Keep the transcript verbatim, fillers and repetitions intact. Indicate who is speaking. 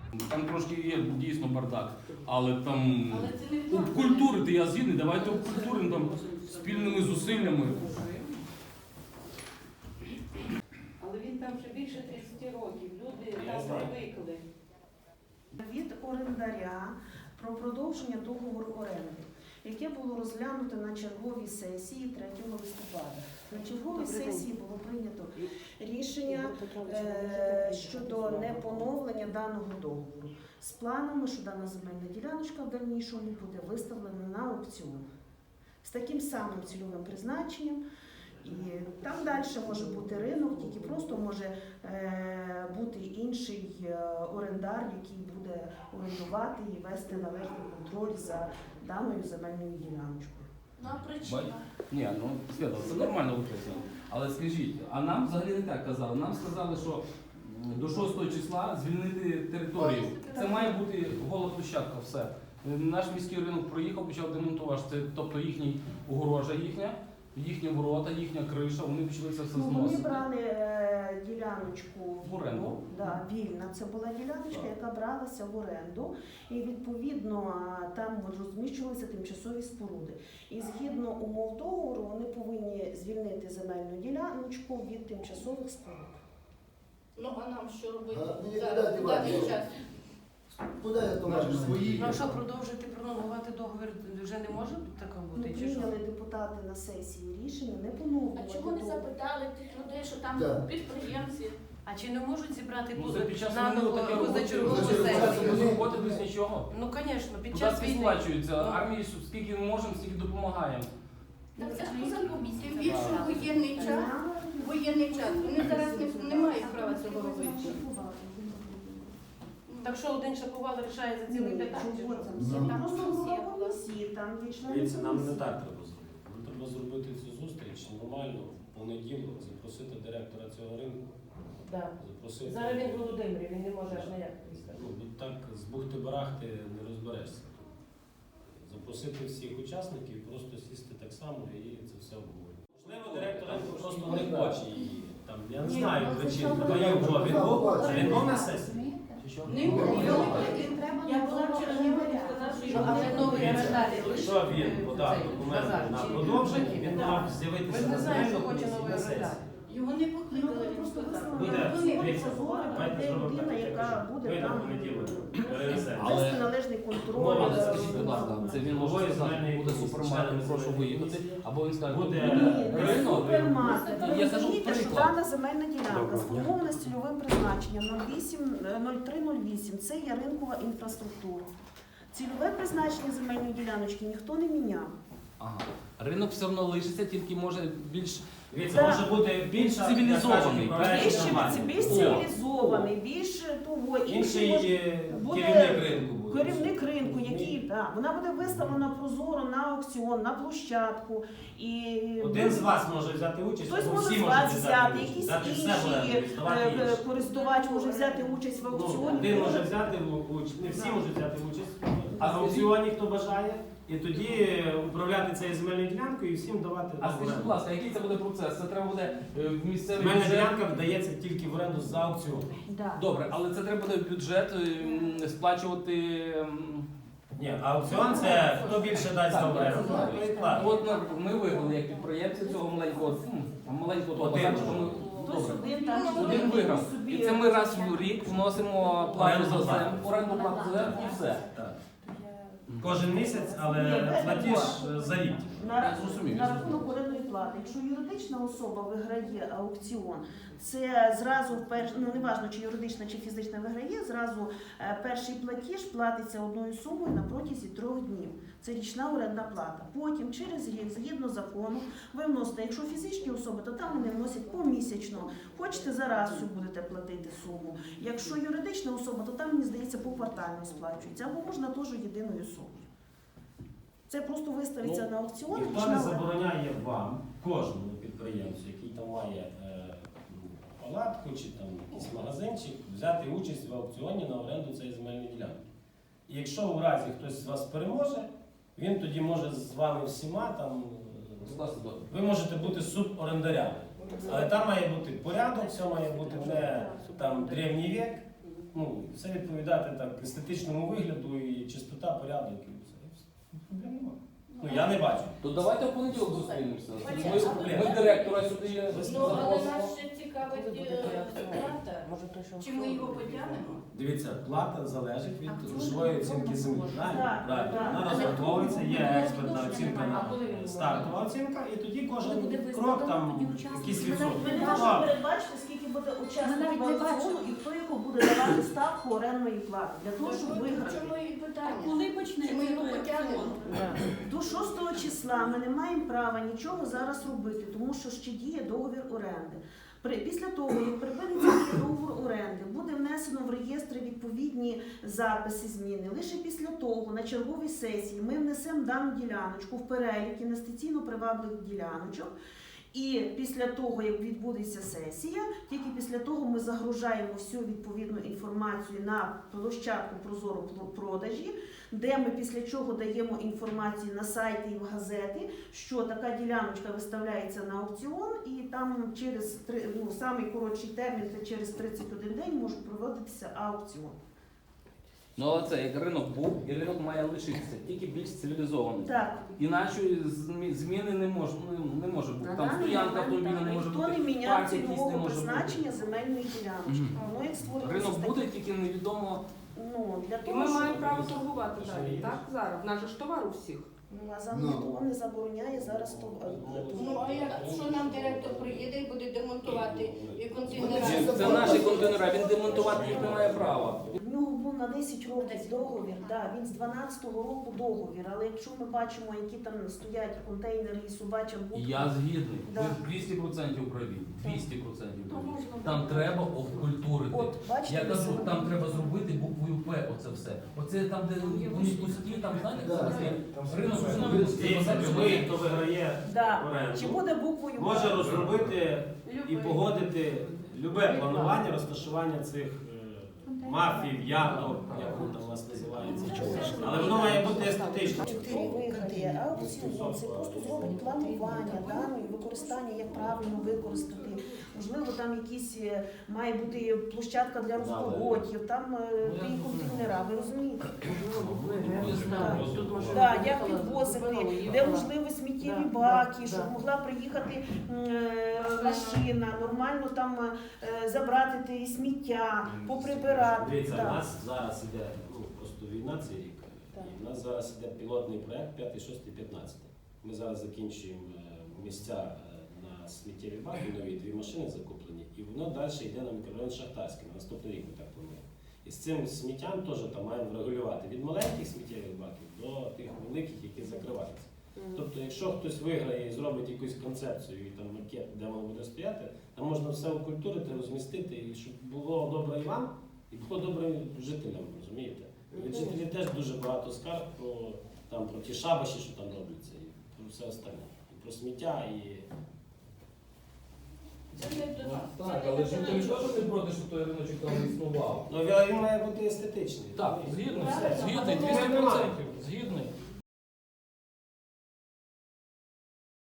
Speaker 1: Там трошки є дійсно бардак, але там
Speaker 2: Але це не в
Speaker 1: обкультурити, я згідний, давайте обкультуримо там спільними зусиллями.
Speaker 2: Але він там вже більше тридцять років, люди там звикли.
Speaker 3: Від орендаря про продовження договору оренди, яке було розглянуто на черговій сесії третього листопада. На черговій сесії було прийнято рішення е, щодо непоновлення даного договору з планами, що дана земельна діляночка в дальнішому буде виставлена на аукціон з таким самим цільовим призначенням. І там далі може бути ринок, тільки просто може е, бути інший е, орендар, який буде орендувати і вести належний контроль за даною земельною діляночкою.
Speaker 2: Ну а причина?
Speaker 1: Ні, ну Свята, це нормально використано. Але скажіть, а нам взагалі не так казали. Нам сказали, що до шостого числа звільнити територію. Це має бути гола площадка, все. Наш міський ринок проїхав, почав демонтувати. Це, тобто їхній огорожа їхня, їхні ворота, їхня криша, вони почали це все
Speaker 3: Ну,
Speaker 1: зносити.
Speaker 3: вони брали е, діляночку
Speaker 1: В оренду.
Speaker 3: Да, вільна. Це була діляночка,
Speaker 1: Так.
Speaker 3: яка бралася в оренду. І відповідно там розміщувалися тимчасові споруди. І згідно умов договору вони повинні звільнити земельну діляночку від тимчасових споруд.
Speaker 2: Ну а нам що робити?
Speaker 4: А, ні,
Speaker 2: Зараз,
Speaker 4: дайте,
Speaker 2: в даний
Speaker 4: дайте.
Speaker 2: час.
Speaker 4: Куди я то бачу свої?
Speaker 5: Ну а що, продовжити пролонгувати договір вже не може таке
Speaker 3: Ну,
Speaker 5: бути? Чи що?
Speaker 3: прийняли депутати на сесії рішення не
Speaker 2: А
Speaker 3: поновлювати
Speaker 2: чого не
Speaker 3: договір.
Speaker 2: запитали тих людей, що там
Speaker 4: Да.
Speaker 2: підприємці?
Speaker 5: А чи не можуть зібрати
Speaker 1: Ну,
Speaker 5: поза-
Speaker 1: це під час
Speaker 5: наново
Speaker 1: війни таке
Speaker 5: позачергову
Speaker 4: робити.
Speaker 5: сесію?
Speaker 1: Без роботи, без нічого.
Speaker 5: Ну, звісно, під час
Speaker 1: Податки
Speaker 5: війни.
Speaker 1: сплачуються,
Speaker 5: Ну.
Speaker 1: армії скільки можемо, стільки допомагаємо.
Speaker 2: Так це ж позакупі. Тим більше воєнний час. Воєнний час. Вони зараз не, не мають права цього робити.
Speaker 5: Так що один шаповал рішає за цілий п'ятак? чи
Speaker 3: Чого
Speaker 5: що?
Speaker 3: це?
Speaker 4: Ну.
Speaker 3: Там просто була комісія, там є члени
Speaker 6: Дивіться, нам не
Speaker 3: комісії.
Speaker 6: так треба зробити. Нам треба зробити цю зустріч нормально, в понеділок, запросити директора цього ринку,
Speaker 5: Да.
Speaker 6: запросити.
Speaker 5: Зараз він в Володимирі, він не може аж ніяк приїхати.
Speaker 6: Ну, бо так з бухти-барахти не розберешся. Запросити всіх учасників, просто сісти так само і це все обговорити. Можливо, директор ринку просто не хоче її. Там, я не
Speaker 3: Ні,
Speaker 6: знаю
Speaker 3: ну, це
Speaker 6: причин.
Speaker 3: що
Speaker 6: Бо
Speaker 3: ви
Speaker 6: є
Speaker 3: робите?
Speaker 6: вже він був, а він був на сесії.
Speaker 1: Чи що?
Speaker 2: Не було.
Speaker 7: Я була вчора не сказав, що
Speaker 5: Що, а вже новий орендар
Speaker 6: Якщо він подав
Speaker 5: цей,
Speaker 6: документи
Speaker 5: базар,
Speaker 6: на
Speaker 5: чи-
Speaker 6: продовження, він
Speaker 5: Да.
Speaker 6: мав
Speaker 5: Ви
Speaker 6: з'явитися
Speaker 5: ж не
Speaker 6: на
Speaker 5: знаєте, що
Speaker 6: земельну
Speaker 5: хоче
Speaker 6: комісію
Speaker 5: новий
Speaker 6: на сесії.
Speaker 5: орендар.
Speaker 2: Його не
Speaker 3: Ну,
Speaker 2: покликали,
Speaker 3: вони
Speaker 2: він
Speaker 3: просто
Speaker 2: сказав.
Speaker 3: висновок.
Speaker 6: Буде,
Speaker 3: Вони
Speaker 6: дивіться,
Speaker 3: прозоро,
Speaker 6: давайте
Speaker 3: де
Speaker 6: зробимо
Speaker 3: людина,
Speaker 6: так, як
Speaker 3: яка
Speaker 6: кажу.
Speaker 3: буде
Speaker 6: Вийде
Speaker 3: там
Speaker 6: в понеділок,
Speaker 3: е,
Speaker 6: перенесемо.
Speaker 1: Але-
Speaker 3: вести належний контроль.
Speaker 1: Ну, але
Speaker 3: е,
Speaker 1: скажіть, будь ласка, це він може
Speaker 6: Головою
Speaker 1: сказати,
Speaker 6: земельної
Speaker 1: буде
Speaker 6: комісії,
Speaker 1: супермаркет,
Speaker 6: членами
Speaker 1: прошу
Speaker 6: земельної
Speaker 1: виїхати,
Speaker 6: комісії.
Speaker 1: або він скаже,
Speaker 6: Буде
Speaker 3: Ні, не
Speaker 1: ринок.
Speaker 3: супермаркет. Ви
Speaker 1: Я кажу
Speaker 3: розумієте, що
Speaker 1: приклад.
Speaker 3: дана земельна ділянка сформована з цільовим призначенням нуль три нуль вісім. Це є ринкова інфраструктура. Цільове призначення земельної діляночки ніхто не міняв.
Speaker 1: Ага. Ринок все одно лишиться, тільки може більш
Speaker 6: Дивіться,
Speaker 3: Так.
Speaker 6: може бути більш
Speaker 1: Цивілізований.
Speaker 3: Більш,
Speaker 6: нормальний.
Speaker 3: більш цивілізований, більш того, інший
Speaker 6: Інший
Speaker 3: може
Speaker 6: е,
Speaker 3: буде
Speaker 6: керівник ринку буде.
Speaker 3: керівник ринку, який да, вона буде виставлена прозоро на аукціон, на площадку. І
Speaker 6: Один з вас може взяти участь,
Speaker 3: хтось
Speaker 6: або
Speaker 3: може
Speaker 6: всі
Speaker 3: з
Speaker 6: можуть
Speaker 3: вас
Speaker 6: взяти
Speaker 3: взяти,
Speaker 6: участь.
Speaker 3: якийсь
Speaker 6: Взяти все
Speaker 3: інший
Speaker 6: буде, здавати
Speaker 3: е,
Speaker 6: інші.
Speaker 3: користувач може взяти участь в
Speaker 6: Ну,
Speaker 3: аукціоні.
Speaker 6: один може взяти в участь, не всі можуть взяти участь.
Speaker 1: А
Speaker 6: А в аукціоні хто бажає, і тоді управляти цією земельною ділянкою і всім давати.
Speaker 1: А скажіть, будь ласка, який це буде процес? Це треба буде е, в місцевий
Speaker 6: Земельна
Speaker 1: бюджет?
Speaker 6: ділянка вдається тільки в оренду за аукціон.
Speaker 3: Да.
Speaker 1: Добре, але це треба буде в бюджет е, сплачувати. м,
Speaker 6: Ні, аукціон це хто більше дасть
Speaker 1: Так,
Speaker 6: за оренду.
Speaker 1: так.
Speaker 6: той і платить.
Speaker 1: От ми- ми виграли як підприємці цього маленького, м, маленького того
Speaker 6: Один.
Speaker 1: базарчика, ми-
Speaker 3: Хтось
Speaker 1: добре.
Speaker 3: один так чи
Speaker 1: Один
Speaker 3: другий
Speaker 1: виграв.
Speaker 3: собі
Speaker 1: І це ми раз в рік вносимо плату
Speaker 6: Оренду
Speaker 1: за
Speaker 6: плату.
Speaker 1: землю, оренду плату за землю і все.
Speaker 6: Так. Кожен місяць, але
Speaker 3: Ні,
Speaker 6: платіж
Speaker 3: це
Speaker 6: за рік.
Speaker 3: На,
Speaker 1: Я зрозумів,
Speaker 3: на
Speaker 1: я
Speaker 3: рахунок орендної плати. Якщо юридична особа виграє аукціон, це зразу перш... ну неважно, чи юридична, чи фізична виграє, зразу е, перший платіж платиться одною сумою на протязі трьох днів. Це річна орендна плата. Потім через рік, згідно закону, ви вносите, якщо фізичні особи, то там вони вносять помісячно. Хочете зараз всю будете платити суму. Якщо юридична особа, то там, мені здається, поквартально сплачується. Або можна теж єдиною сумою. Це просто виставиться
Speaker 1: Ну,
Speaker 3: на аукціон.
Speaker 6: Ніхто
Speaker 3: річна
Speaker 6: не
Speaker 3: оренда.
Speaker 6: забороняє вам, кожному підприємцю, який там має е, палатку чи там якийсь магазинчик, взяти участь в аукціоні на оренду цієї земельної ділянки. І якщо у разі хтось з вас переможе, він тоді може з вами всіма там. е,
Speaker 1: Скласти договір.
Speaker 6: Ви можете бути суборендарями. Але там має бути порядок, все має бути не там древній вік. ну, все відповідати так естетичному вигляду і чистота, порядок і все. Проблем немає. Ну я не бачу.
Speaker 1: То давайте в понеділок зустрінемося.
Speaker 2: Валерій,
Speaker 1: Ми, ми директора сюди
Speaker 2: Ну, але
Speaker 1: запросимо.
Speaker 2: нас ще цікавить е, плата.
Speaker 5: Може, то, що
Speaker 2: Чи ми його потягнемо?
Speaker 6: Дивіться, плата залежить від
Speaker 5: А
Speaker 6: грошової оцінки землі. Правильно?
Speaker 3: Так,
Speaker 6: Правильно.
Speaker 3: так.
Speaker 6: Вона
Speaker 2: Але
Speaker 6: розраховується, є
Speaker 2: тому
Speaker 6: експертна
Speaker 2: відношення
Speaker 6: оцінка
Speaker 2: немає.
Speaker 5: А коли він
Speaker 6: на
Speaker 5: буде?
Speaker 6: стартова оцінка, і тоді
Speaker 7: Коли
Speaker 6: кожен
Speaker 7: буде
Speaker 6: крок
Speaker 7: виставлено,
Speaker 6: там
Speaker 7: тоді учасники.
Speaker 6: якийсь
Speaker 7: Ми
Speaker 6: відсоток.
Speaker 3: Ми не
Speaker 6: Так.
Speaker 3: можемо передбачити, скільки буде
Speaker 7: Ми
Speaker 3: учасників
Speaker 7: навіть не
Speaker 3: аукціону
Speaker 7: бачимо.
Speaker 3: і хто його буде давати ставку орендної плати. Для того, щоб
Speaker 2: Чому
Speaker 3: виграти.
Speaker 2: і питання?
Speaker 7: Коли
Speaker 2: Чи ми
Speaker 7: почнеться
Speaker 2: його
Speaker 7: той
Speaker 2: потягнемо?
Speaker 7: аукціон?
Speaker 3: До шостого числа ми не маємо права нічого зараз робити, тому що ще діє договір оренди. При- Після того, як припиниться діє договір оренди, буде внесено в реєстри відповідні записи, зміни. Лише після того на черговій сесії ми внесемо дану діляночку в перелік інвестиційно привабливих діляночок. І після того, як відбудеться сесія, тільки після того ми загружаємо всю відповідну інформацію на площадку Прозоро продажі, де ми після чого даємо інформацію на сайті і в газети, що така діляночка виставляється на аукціон, і там через три- ну, самий коротший термін, це через тридцять один день, може проводитися аукціон.
Speaker 1: Ну але це як ринок був, і ринок має лишитися, тільки більш цивілізований.
Speaker 3: Так,
Speaker 1: Іначе змі- зміни не може, ну, не може бути.
Speaker 3: на
Speaker 1: Там
Speaker 3: даний
Speaker 1: стоянка
Speaker 3: момент
Speaker 1: автомобіля
Speaker 3: так,
Speaker 1: не може
Speaker 3: ніхто
Speaker 1: бути.
Speaker 3: не міняє
Speaker 1: парк якийсь не
Speaker 3: цільового
Speaker 1: може бути.
Speaker 3: призначення земельної діляночки.
Speaker 1: Мгм.
Speaker 3: Воно як створюється
Speaker 1: Ринок
Speaker 3: з
Speaker 1: буде,
Speaker 3: таким-
Speaker 1: тільки невідомо.
Speaker 3: ну, для
Speaker 5: І
Speaker 3: того,
Speaker 5: ми
Speaker 3: щоб-
Speaker 5: маємо право торгувати далі, так? Зараз. В нас же ж товар у всіх.
Speaker 3: Ну, а за
Speaker 4: Ну.
Speaker 3: ніхто не забороняє зараз то.
Speaker 2: Ну, а якщо нам директор приїде і буде демонтувати і контейнери?
Speaker 1: Це наші контейнери, він демонтувати їх не має права.
Speaker 3: В нього був на десять років договір, да, він з дванадцятого року договір, але якщо ми бачимо, які там стоять контейнери і собача
Speaker 1: І
Speaker 3: будка,
Speaker 1: я згідний.
Speaker 3: Да.
Speaker 1: Ви двісті відсотків праві. двісті відсотків
Speaker 3: то
Speaker 1: праві.
Speaker 3: можна
Speaker 1: Там
Speaker 3: буде-
Speaker 1: треба обкультурити.
Speaker 3: От, бачите,
Speaker 1: Я кажу,
Speaker 3: ви
Speaker 1: там треба зробити буквою П, оце все. Оце там, де вони пусті, там знаєте,
Speaker 3: Да.
Speaker 1: зараз є ринок
Speaker 6: Дивіться, любий, хто виграє
Speaker 3: Да.
Speaker 6: оренду,
Speaker 3: Чи буде буквою
Speaker 6: може
Speaker 3: П?
Speaker 6: розробити і
Speaker 5: Любий.
Speaker 6: погодити любе планування розташування цих е, мафій, яток, як воно там у нас називається. Але воно має бути естетично.
Speaker 3: Хто виграє аукціон, це просто зробить планування даної використання, як правильно використати. Можливо, там якісь е, має бути площадка для розпогодів, там е, ті контейнера, ви розумієте? Так, як підвозити, де можливо сміттєві
Speaker 5: Да,
Speaker 3: баки,
Speaker 5: да,
Speaker 3: щоб
Speaker 5: да.
Speaker 3: могла приїхати е, машина, нормально там е, забрати те сміття, поприбирати.
Speaker 6: Дивіться, у
Speaker 3: Так.
Speaker 6: нас зараз іде ну, просто війна цей рік.
Speaker 3: Так.
Speaker 6: І в нас зараз іде пілотний проект п'ятий, шостий, п'ятнадцятий. Ми зараз закінчуємо е, місця е, на сміттєві баки, нові дві машини закуплені, і воно далі йде на мікрорайон Шахтарський. На наступний рік ми так плануємо. І з цим сміттям теж там маємо врегулювати від маленьких сміттєвих баків до тих великих, які закриваються. Тобто, якщо хтось виграє і зробить якусь концепцію і там макет, де воно буде стояти, там можна все окультурити, розмістити, і щоб було добре і вам, і було добре жителям, розумієте? Від жителів теж дуже багато скарг про, там, про ті шабаші, що там робляться, і про все остальне. І про сміття, і
Speaker 2: Це не до нас. Це
Speaker 1: Так,
Speaker 2: не
Speaker 1: але
Speaker 2: до
Speaker 1: жителі
Speaker 2: нас.
Speaker 1: теж не проти, щоб той риночок там існував.
Speaker 6: ну, він він має бути естетичний.
Speaker 1: Так, згідний,
Speaker 2: Правильно.
Speaker 1: згідний, двісті відсотків, згідний.